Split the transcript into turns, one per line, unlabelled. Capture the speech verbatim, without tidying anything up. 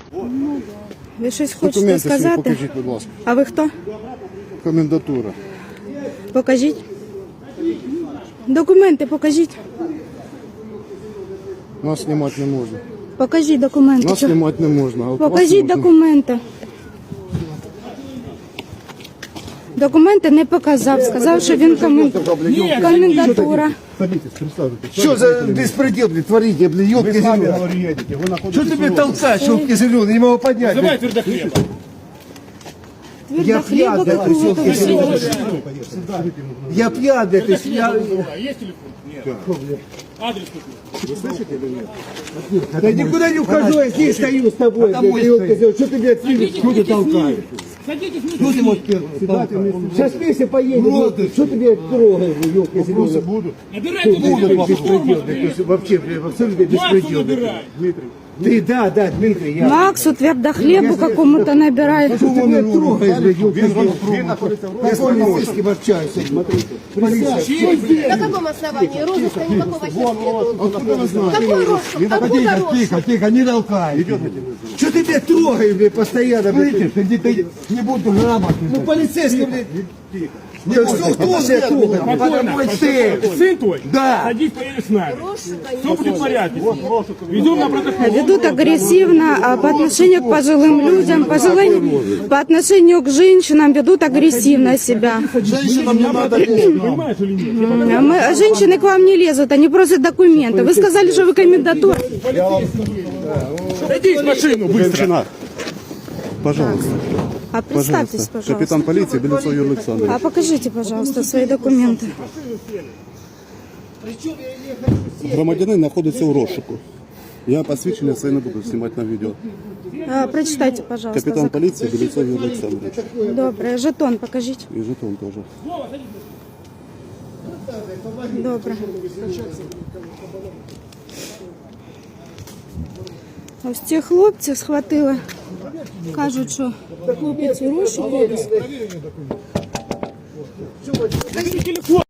Ви щось хочете
Документи свої
сказати?
покажіть, будь ласка.
А ви хто?
Комендатура.
Покажіть. Документи покажіть.
Нас знімати не можна.
Покажіть документи.
Нас
Чого?
знімати не можна. А от вас
Покажіть
можна.
документи. Документи не показав. Сказав, що він комен... комендатура.
Что за беспредел, блин, творите, блин, ёбки зеленые? Что ты меня толкаешь, ёбки зеленые, не могу поднять?
Давай твердохлеб.
Я пьян, блядь,
какого-то
ёбки зеленые. Я пьян, блядь, то есть я...
А есть телефон? Нет. Адрес какой?
Да никуда не ухожу, я здесь стою с тобой, блядь, ёбки зеленые. Что ты меня отсюда, что ты толкаешь?
Садитесь
Что ты можешь Сейчас вместе поедем, что ты меня трогаешь, ёбки зеленые?
Будуть.
Набирайте
Беспредел,
телефон.
блядь, то есть вообще, блядь, абсолютно
Максу
беспредел.
набирай.
Ты, да, да, Дмитрий, я...
Максу твердохлебу какому-то набирает.
Что ты меня трогаешь, блядь, ёбки зеленые? Я с полицейским общаюсь, смотри. Полиция.
На каком основании? Розыска никакого сейчас нету. Какой розыск?
Тихо,
Откуда
тихо,
розыск?
тихо, тихо, не толкай. Что ты меня трогаешь, блядь, постоянно, блядь? Слышишь, ты не буду грамотный. Ну, полицейский, блядь. Да что, кто меня трогает?
Спокойно.
Мой сын.
Сын твой?
Да.
Садись, поедешь с нами. Все будет в порядке. Ведем на протокол.
Ведут агрессивно а, по отношению к пожилым людям, пожилым, по отношению к женщинам ведут агрессивно себя.
Женщинам не надо.
Понимаешь или нет?
А мы, женщины к вам не лезут, они просят документы. Вы сказали, что вы комендатура.
Садись в машину быстро.
Женщина. Пожалуйста.
А представьтесь,
Пожалуйста.
пожалуйста.
Капитан полиции Белецов Юрий Александрович.
А покажите, пожалуйста, свои документы.
Громадянин знаходиться у розшуку. Я посвідчення своє не буду знімати на відео.
А, прочитайте, пожалуйста.
Капітан
зак-
поліції Белецов Юрій Олександрович.
Добре, жетон покажіть.
І жетон теж.
Добре. Ось ці хлопці схватили. Кажуть, що хлопець у розшуку.
Телефон.